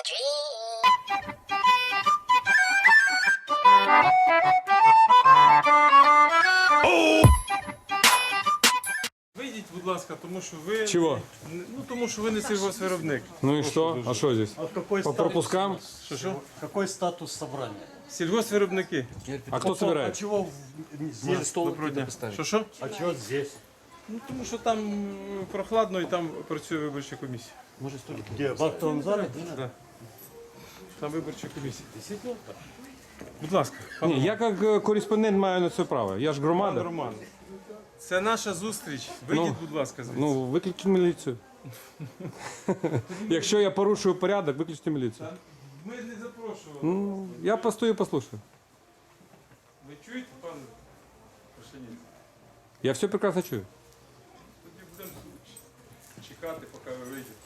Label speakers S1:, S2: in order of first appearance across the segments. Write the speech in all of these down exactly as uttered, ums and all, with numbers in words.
S1: Вийдіть, будь ласка, тому що ви...
S2: Чего?
S1: Ну, тому що ви не сільгоспвиробник.
S2: Ну и что? А что здесь?
S3: А какой
S2: По
S3: статус-
S2: пропускам?
S1: Що-що?
S3: Какой статус собрания?
S1: Сільгоспвиробники.
S2: А кто
S3: А
S2: собирает?
S3: чего в- здесь?
S1: Доброго дня. Що-що?
S3: А чего здесь?
S1: Ну, тому що там м, прохладно і там працює виборча комісія.
S3: Где? В актовом зале?
S1: Да. Там виборча комісія. Будь ласка, пан
S2: Ні, я як е, кореспондент маю на це право. Я ж
S1: Пан
S2: громада.
S1: Роман. Це наша зустріч. Вийдіть,
S2: Ну,
S1: будь ласка, звідси.
S2: Ну, виключіть міліцію. Якщо я порушую порядок, виключіть міліцію.
S1: Ми не запрошували.
S2: Ну, я постою, послушаю.
S1: Ви чуєте, пан Пашиніць?
S2: Я все прекрасно чую.
S1: Тоді будемо чекати, поки ви вийдете.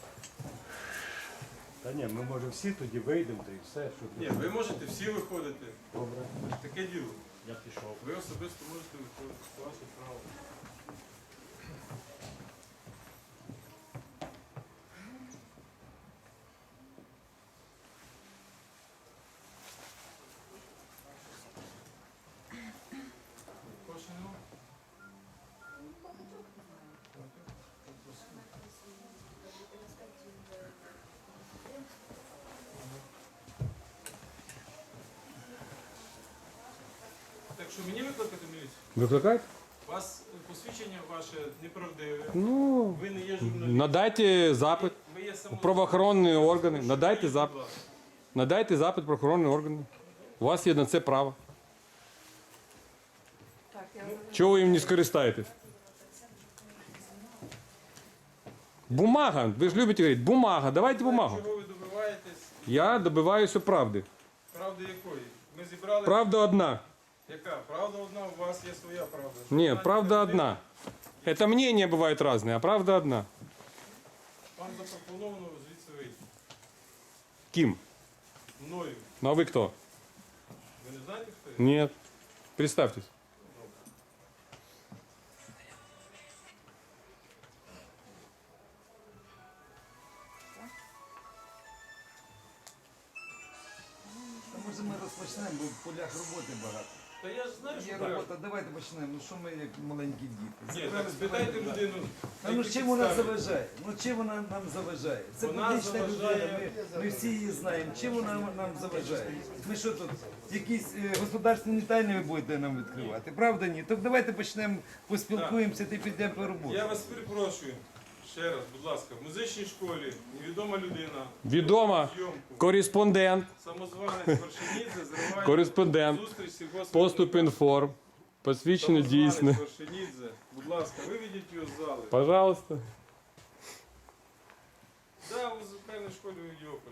S3: Та ні, ми може всі тоді вийдемо, та і все. Щоб...
S1: Ні, ви можете всі виходити.
S3: Добре,
S1: Таке діло.
S3: я пішов.
S1: Ви особисто можете виходити. Це ваше право. Кошти нема? Так що мені викликати міліцію?
S2: Викликають?
S1: У вас посвідчення ваше неправдиве.
S2: Ну,
S1: Ви не є журналіст.
S2: надайте запит.
S1: Ви є само...
S2: Правоохоронні органи. Надайте
S1: Будь
S2: запит.
S1: ласка.
S2: Надайте запит правоохоронні органи. У вас є на це право. Чого ви їм не скористаєтесь? Бумага. Ви ж любите говорити, бумага. Давайте бумагу.
S1: Чого ви добиваєтесь?
S2: Я добиваюся правди.
S1: Правди якої? Ми зібрали...
S2: Правда одна.
S1: Яка? Правда одна, у вас є своя правда.
S2: Ні,
S1: Знаєте,
S2: правда
S1: ви-
S2: одна. Это мнения бывают разные, а правда одна.
S1: Вам запропоновано звідси вийти.
S2: Ким?
S1: Мною.
S2: Ну а вы кто?
S1: Ви не знаєте, хто я?
S2: Нет. Представьтесь.
S4: Може ми розпочнемо, бо в полях роботи багато.
S1: Та я ж знаю, що
S4: Є
S1: треба.
S4: робота, давайте почнемо. Ну що ми як маленькі діти?
S1: Ні, так спитайте людину.
S4: А ну
S1: які
S4: чим вона
S1: підстави.
S4: заважає? Ну чим вона нам заважає? Це
S1: Вона
S4: публічна
S1: заважає-
S4: людина, ми, ми всі її знаємо. Чим вона нам заважає? Ми що тут, якісь е, государственні тайни ви будете нам відкривати? Правда ні? Так давайте почнемо, поспілкуємося та підемо по роботі.
S1: Я вас перепрошую. Ще раз, будь ласка, в музичній школі невідома людина.
S2: Відома.
S1: Зйомку.
S2: Кореспондент.
S1: Самозванець Вершинідзе зриває
S2: Кореспондент.
S1: зустріч сільгоспвиробника.
S2: Поступ інформ. Посвідчено
S1: Самозванець
S2: дійсне.
S1: Вершинідзе. Будь ласка, виведіть його з зали.
S2: Пожалуйста.
S1: Да, ви в певній школі у Єополі.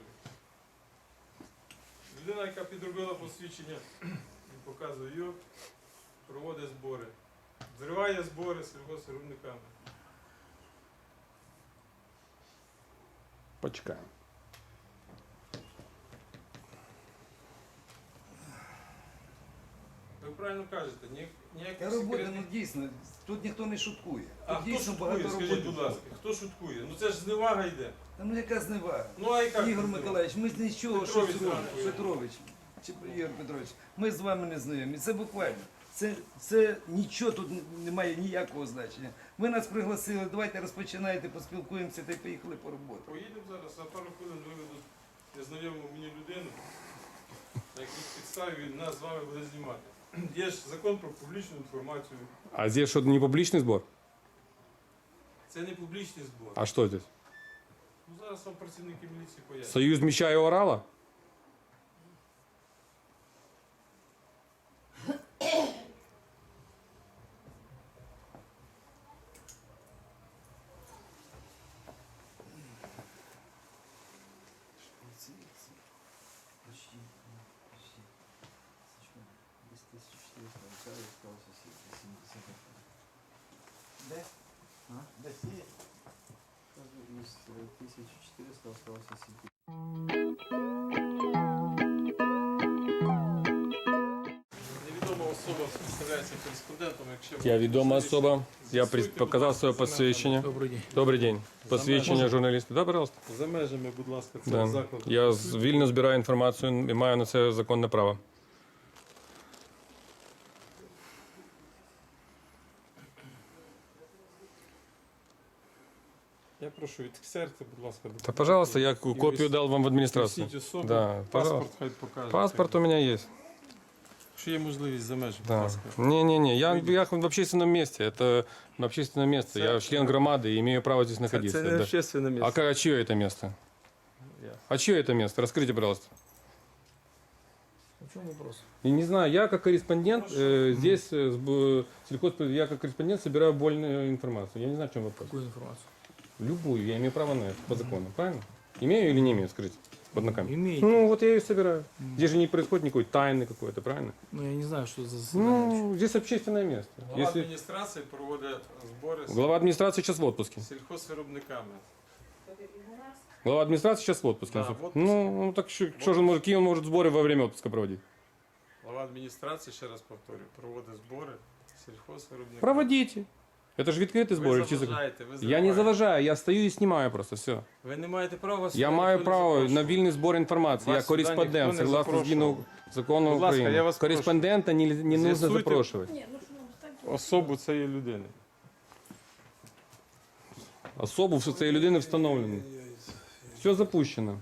S1: Людина, яка підробила посвідчення, він показує його, проводить збори. Зриває збори з сільгоспвиробниками.
S2: Почекаємо.
S1: Ви правильно кажете, ні,
S4: Та
S1: ніяких
S4: робота, ну
S1: секретних...
S4: дійсно, тут ніхто не шуткує.
S1: А
S4: Тут
S1: хто
S4: дійсно
S1: шуткує,
S4: багато
S1: скажіть,
S4: роботи.
S1: будь ласка, хто шуткує? Ну це ж зневага йде.
S4: Та ну яка зневага?
S1: Ну а яка?
S4: Ігор
S1: зневага?
S4: Миколаївич, ми з нічого
S1: Петрович
S4: щось робимо.
S1: зранку.
S4: Петрович, чи Ігор Петрович, ми з вами не знайомі. Це буквально. Це, це нічого тут не має ніякого значення. Ви нас пригласили, давайте розпочинайте, поспілкуємося та й поїхали по роботі.
S1: Поїдемо зараз, за пару хвилин виведуть незнайому мені людину, на якій підставі він нас з вами буде знімати. Є ж закон про публічну інформацію.
S2: А здесь что-то не публичный сбор?
S1: Це не публічний збор.
S2: А что здесь?
S1: Ну зараз вам працівники міліції пояснять.
S2: Союз меча и орала?
S4: Де? А? Де сіє?
S5: Из тысячи четырёхсот осталось семь.
S1: Невідома особа представляється кореспондентом, якщо
S2: Я відома особа. Я
S1: З'ясуйте,
S2: при-
S1: будь
S2: показав
S1: ласка,
S2: своє
S1: за межами.
S2: посвідчення.
S5: Добрый день.
S2: Добрий день. Посвідчення журналіста. Да, пожалуйста.
S1: За межами, будь ласка, цього
S2: Да.
S1: закладу.
S2: Я з- вільно збираю інформацію і маю на це законне право.
S1: Я прошу, від серця, будь ласка.
S2: Та, пожалуйста, я ку-
S1: І
S2: копію
S1: вис-
S2: дав вам в адміністрацію.
S1: Носіть особу,
S2: Да,
S1: паспорт
S2: пожалуйста.
S1: хай покаже.
S2: Паспорт у меня есть.
S1: Якщо є можливість за межами, будь
S2: Да.
S1: ласка.
S2: Не-не-не, я, я в общественном месте. Это общественное место. Я член громады и имею право здесь находиться.
S1: Це не
S2: да.
S1: общественне
S2: А,
S1: місце.
S2: ка- а чье это место?
S1: Я.
S2: А чье это место? Расскажите, пожалуйста.
S5: В чем вопрос?
S2: И не знаю, я как корреспондент э, здесь, э, с б- сельхоз- я как корреспондент собираю больную информацию. Я не знаю, в чем вопрос.
S5: Какую информацию?
S2: Любую, я имею право на это по закону, правильно? Имею или не имею, скажите, под ногами.
S5: Имеете.
S2: Ну, вот я ее собираю. Здесь же не происходит никакой тайны какой-то, правильно?
S5: Ну, я не знаю, что за заседание.
S2: Ну, здесь общественное место.
S1: Глава
S2: Если...
S1: адміністрації проводить збори з
S2: Глава администрации сейчас в отпуске.
S1: сільхозвиробниками.
S2: Глава администрации сейчас в отпуске.
S1: Да, в отпуске.
S2: Ну, ну, так что, что же он может, какие он может сборы во время отпуска проводить?
S1: Глава адміністрації, ще раз повторюю, проводить збори сільхозвиробниками.
S2: Проводите. Это же відкрытый сбор.
S1: Ви
S2: чи-
S1: заважаєте, ви
S2: Я не
S1: зриваєте.
S2: заважаю, я стою и снимаю просто, все.
S1: Ви не маєте права
S2: Я
S1: сюди
S2: маю
S1: ніхто не
S2: право на
S1: запрошував.
S2: вільний збор інформації. Я
S1: Вас сюди ніхто
S2: кореспондент,
S1: не
S2: согласно
S1: запрошував.
S2: згідно закону
S1: Будь ласка,
S2: України.
S1: я вас прошу.
S2: Кореспондента не, не нужно
S1: З'ясуйте.
S2: запрошувати.
S1: Особу цієї людини.
S2: Особу в цієї людини встановлено. Все запущено.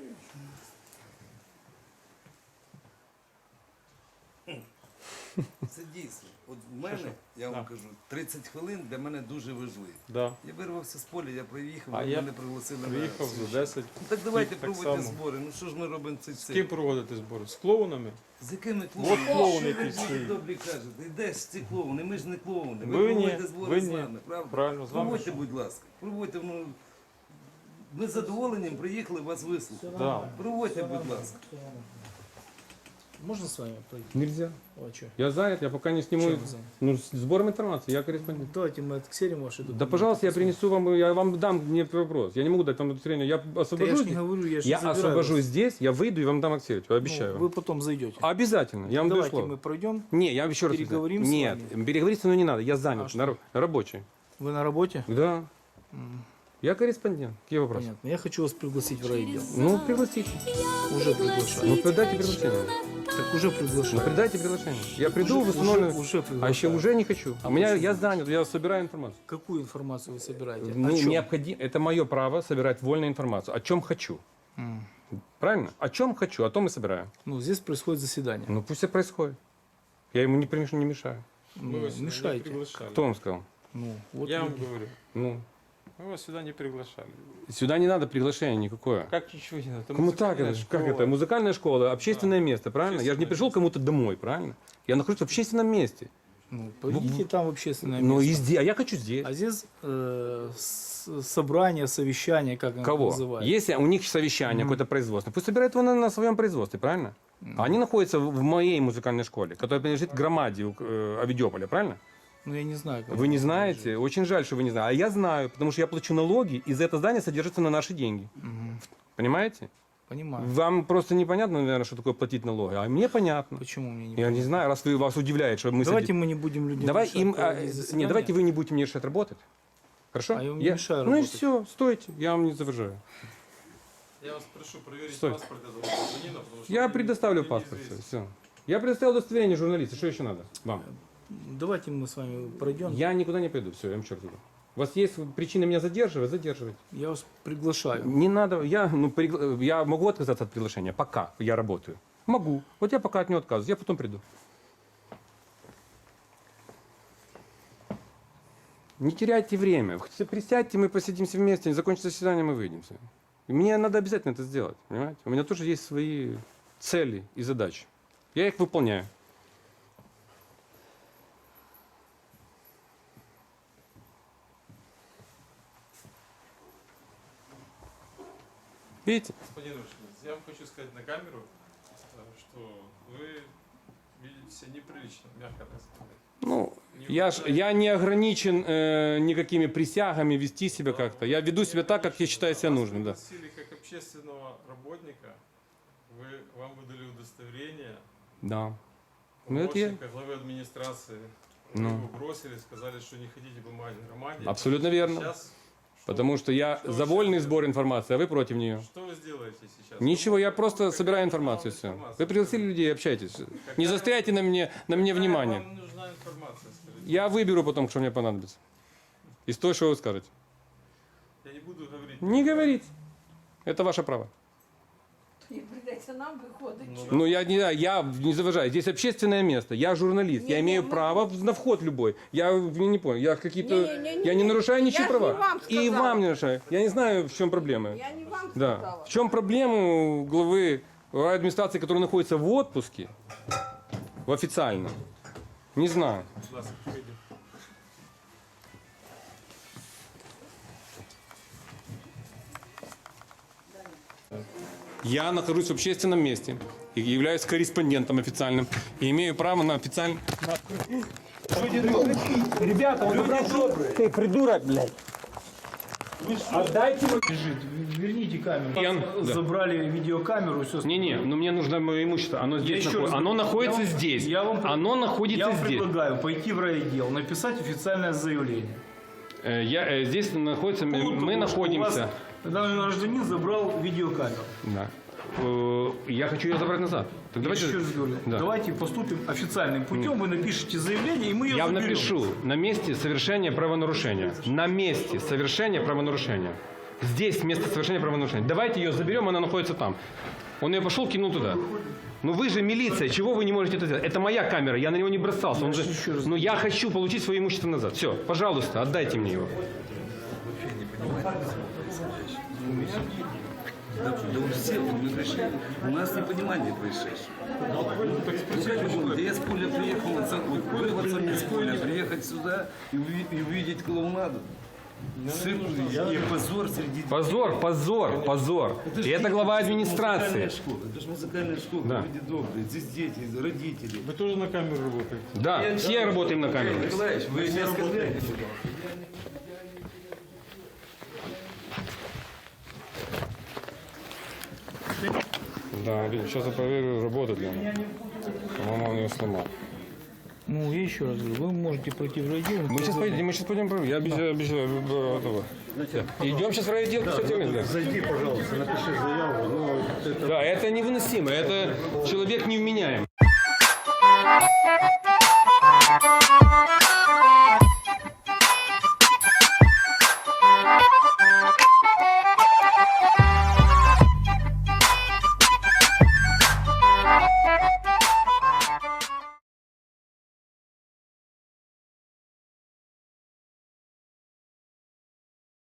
S4: Це дійсно. От в мене, я вам
S1: Да.
S4: кажу, тридцять хвилин для мене дуже важливі.
S1: Да.
S4: Я вирвався з поля, я приїхав,
S1: А
S4: ви
S1: я
S4: мене пригласили на
S1: Приїхав
S4: свідчення.
S1: за десять.
S4: Ну, так давайте
S1: так
S4: проводьте
S1: само.
S4: збори. Ну що ж ми робимо цей
S1: З
S4: цей?
S1: ким проводити збори? З клоунами?
S4: З якими
S1: От
S4: клоунами?
S1: клоун,
S4: Що
S1: який
S4: ви
S1: стоїть.
S4: добрі кажете? І де ж ці клоуни? Ми ж не клоуни. Ви,
S1: Ви ні,
S4: проводите збори
S1: ви
S4: з
S1: ні.
S4: нами, правда?
S1: Правильно, з вами.
S4: Проводьте, будь ласка. Проводьте, ну, ми з задоволенням приїхали вас вислухати.
S1: Да.
S4: Проводьте, будь ласка.
S5: Можно с вами пройти?
S2: Нельзя.
S5: А что?
S2: Я занят, я пока не сниму.
S5: Чем вы заняты?
S2: Ну, с сбором информации, я корреспондент.
S5: Давайте мы отксерим ваши документы.
S2: Да, пожалуйста, я принесу вам, я вам дам мне вопрос. Я не могу дать вам удостоверение. Я
S5: Да я
S2: освобожусь.
S5: ж не говорю, я ж
S2: Я
S5: не забираю
S2: освобожусь
S5: вас.
S2: здесь, я выйду и вам дам аксерить.
S5: Ну,
S2: Обещаю
S5: вы
S2: вам.
S5: потом зайдете.
S2: Обязательно. Я вам даю
S5: Давайте
S2: слово.
S5: мы пройдем.
S2: Не, я еще раз.
S5: Переговорим с
S2: Нет, переговорить со мной не надо. Я занят,
S5: А что?
S2: на, ра- рабочий.
S5: Вы на работе?
S2: Да.
S5: М,
S2: Я корреспондент. Какие вопросы?
S5: Понятно. Я хочу вас пригласить в райотдел.
S2: Ну, пригласите.
S5: Уже приглашаю.
S2: Ну, передайте приглашение.
S5: Так уже
S2: Ну,
S5: приглашаю.
S2: передайте приглашение. Я приду,
S5: уже,
S2: восстановлю.
S5: уже, уже
S2: А
S5: приглашаю.
S2: еще уже не хочу.
S5: А
S2: У меня
S5: почему?
S2: я занят, я собираю информацию.
S5: Какую информацию вы собираете?
S2: Ну,
S5: О чем?
S2: необходимо, это мое право собирать вольную информацию. О чем хочу.
S5: М.
S2: Правильно? О чем хочу, о том и собираю.
S5: Ну, здесь происходит заседание.
S2: Ну пусть это происходит. Я ему не, примеш- не мешаю.
S5: Ну,
S1: Мы вас сюда не
S5: мешаете.
S1: приглашали.
S2: Кто вам сказал?
S5: Ну, вот
S1: Я вам
S5: люди.
S1: говорю.
S2: Ну,
S1: Мы вас сюда не приглашали.
S2: сюда не надо приглашения никакое.
S1: Как ничего не надо? Это
S2: Кому так?
S1: музыкальная
S2: Это, ж- как
S1: школа.
S2: это? Музыкальная школа, общественное место, правильно? Я же не
S1: Общественное
S2: пришел
S1: место.
S2: кому-то домой, правильно? Я нахожусь в общественном месте.
S5: Ну, пойдите там в общественное
S2: Ну,
S5: место.
S2: и здесь, а я хочу здесь.
S5: А здесь э, с- собрание, совещание, как оно
S2: Кого?
S5: называется.
S2: Если у них совещание, какое-то производство, пусть собирают его на, на своем производстве, правильно? А они находятся в в моей музыкальной школе, которая принадлежит громаде э, Авидиополя, правильно?
S5: Ну, я не знаю. Как
S2: Вы не
S5: это
S2: знаете?
S5: лежит.
S2: Очень жаль, что вы не знаете. А я знаю, потому что я плачу налоги, и за это здание содержится на наши деньги.
S5: Мгм.
S2: Понимаете?
S5: Понимаю.
S2: Вам просто непонятно, наверное, что такое платить налоги, а мне понятно.
S5: Почему мне не
S2: Я не знаю, раз вы, вас удивляет, что мы...
S5: Давайте
S2: сидим-
S5: мы не будем людям
S2: Давай
S5: мешать
S2: им... а,
S5: проводить
S2: не,
S5: заседание.
S2: давайте вы не будете мне мешать работать. Хорошо?
S5: А я вам не мешаю
S2: Ну и
S5: работать.
S2: все, стойте, я вам не заважаю.
S1: Я вас прошу проверить
S2: Стой.
S1: паспорт этого гражданина, потому что
S2: Я
S1: мне-
S2: предоставлю
S1: мне
S2: паспорт.
S1: неизвестно.
S2: Все. Я предоставил удостоверение журналиста. Что еще надо вам?
S5: Давайте мы с вами пройдем. Я,
S2: Я никуда не пойду. Все, я вам черт иду. У вас есть причина меня задерживать? Задерживайте.
S5: вас приглашаю.
S2: Не надо. Я, ну, пригла- я могу отказаться от приглашения, пока я работаю. Могу. Вот я пока от него отказываюсь. Я потом приду. Не теряйте время. Хоть Присядьте, мы посидимся вместе, закончится заседание, мы выйдемся. И мне надо обязательно это сделать. Понимаете? У меня тоже есть свои цели и задачи. Я их выполняю. Видите?
S1: Господин Рушинец, я вам хочу сказать на камеру, э, что вы видите себя неприлично, мягко так сказать.
S2: Ну,
S1: Не
S2: я, ж,
S1: уважаете-
S2: я не ограничен э, никакими присягами вести себя как-то. Я веду себя так, как я считаю себя
S1: Вас
S2: нужным. Да.
S1: пригласили как общественного работника, вы, вам выдали удостоверение,
S2: Да. Ну, это я.
S1: помощника главы администрации.
S2: Ну.
S1: Его бросили, сказали, что не хотите бумаги в громаде.
S2: Абсолютно верно.
S1: Сейчас,
S2: Потому что я
S1: что
S2: за
S1: вы
S2: вольный
S1: сейчас
S2: сбор информации, а вы против нее.
S1: Что вы сделаете сейчас?
S2: Ничего, я
S1: Вы
S2: просто
S1: можете
S2: собираю
S1: какая-то
S2: информацию, все.
S1: информация.
S2: Вы пригласили людей, общайтесь. Не застряйте на мне, на мне
S1: Какая
S2: внимание.
S1: Вам нужна информация, скажите.
S2: Я выберу потом, что мне понадобится. Из того, что вы скажете.
S1: Я не буду говорить.
S2: Не говорите. Это ваше право.
S6: Не придеться нам виходить.
S1: Ну,
S2: Ну, я не, я не заважаю. Здесь общественное место. Я журналист. Я
S6: Не,
S2: имею
S6: не, мы-
S2: право на вход любой. Я не, не понял. Я какие-то...
S6: Не-не-не-не.
S2: Я не нарушаю ничьи
S6: Я ж
S2: права.
S6: не вам
S2: И
S6: сказала.
S2: вам не нарушаю. Я не знаю, в чем проблема.
S6: Я не вам
S2: Да.
S6: сказала.
S2: В чем проблема у главы администрации, который находится в отпуске, в официальном? Не знаю.
S1: Будь ласка, вийди.
S2: Я нахожусь в общественном месте и являюсь корреспондентом официальным и имею право на официальный... Ребята, он забрал... Ты придурок, блядь. Отдайте мне...
S5: Лежит. Верните камеру.
S2: Ян, да.
S5: Забрали видеокамеру и все.
S2: Не-не, но мне нужно мое имущество. Оно здесь
S5: еще
S2: находится.
S5: раз
S2: Оно
S5: говорю,
S2: находится
S5: я вам-
S2: здесь.
S5: я вам-
S2: Оно находится
S5: Я вам
S2: здесь.
S5: предлагаю пойти в райотдел, написать официальное заявление.
S2: Э, Я, э, здесь находится...
S5: По поводу
S2: Мы
S5: того, что
S2: находимся...
S5: у вас Данный гражданин забрал видеокамеру.
S2: Да. Э, Я хочу ее забрать назад. Так давайте...
S5: Еще раз говорю,
S2: Да.
S5: давайте поступим официальным путем, вы напишите заявление, и мы ее
S2: Я
S5: заберем.
S2: напишу на месте совершения правонарушения. На месте совершения правонарушения. Здесь место совершения правонарушения. Давайте ее заберем, она находится там. Он ее пошел, кинул туда. Ну вы же милиция, чего вы не можете это сделать? Это моя камера, я на него не бросался. Он же... Ну я хочу получить свое имущество назад. Все, пожалуйста, отдайте мне его.
S4: Да, да у всех вот мы пришли, у нас непонимание происшедшего. Ну как вы думаете, я с поля приехал, вот, вырваться мне с поля, приехать сюда и, уви- и увидеть клоунаду. Цирк и позор среди...
S2: Позор, позор, позор.
S4: ж
S2: И это
S4: не-
S2: глава
S4: это ж
S2: администрации.
S4: музыкальная школа, это же музыкальная школа,
S2: Да.
S4: люди добрые, здесь дети, родители.
S1: Вы тоже на камеру работаете?
S2: Да, все работаем на камеру.
S4: Николаевич, вы не оскорбляете.
S2: Да, сейчас я проверю, работает ли она. По-моему, он ее сломал.
S5: Ну, я еще раз говорю, вы можете пройти в райотдел.
S2: Мы сейчас пойдем, мы сейчас пойдем проверим. Я обещаю, обещаю, э, этого. Идем сейчас в райотдел, кстати, да.
S3: Зайди, пожалуйста, напиши заяву. Ну, это
S2: Да, это невыносимо, это человек невменяем.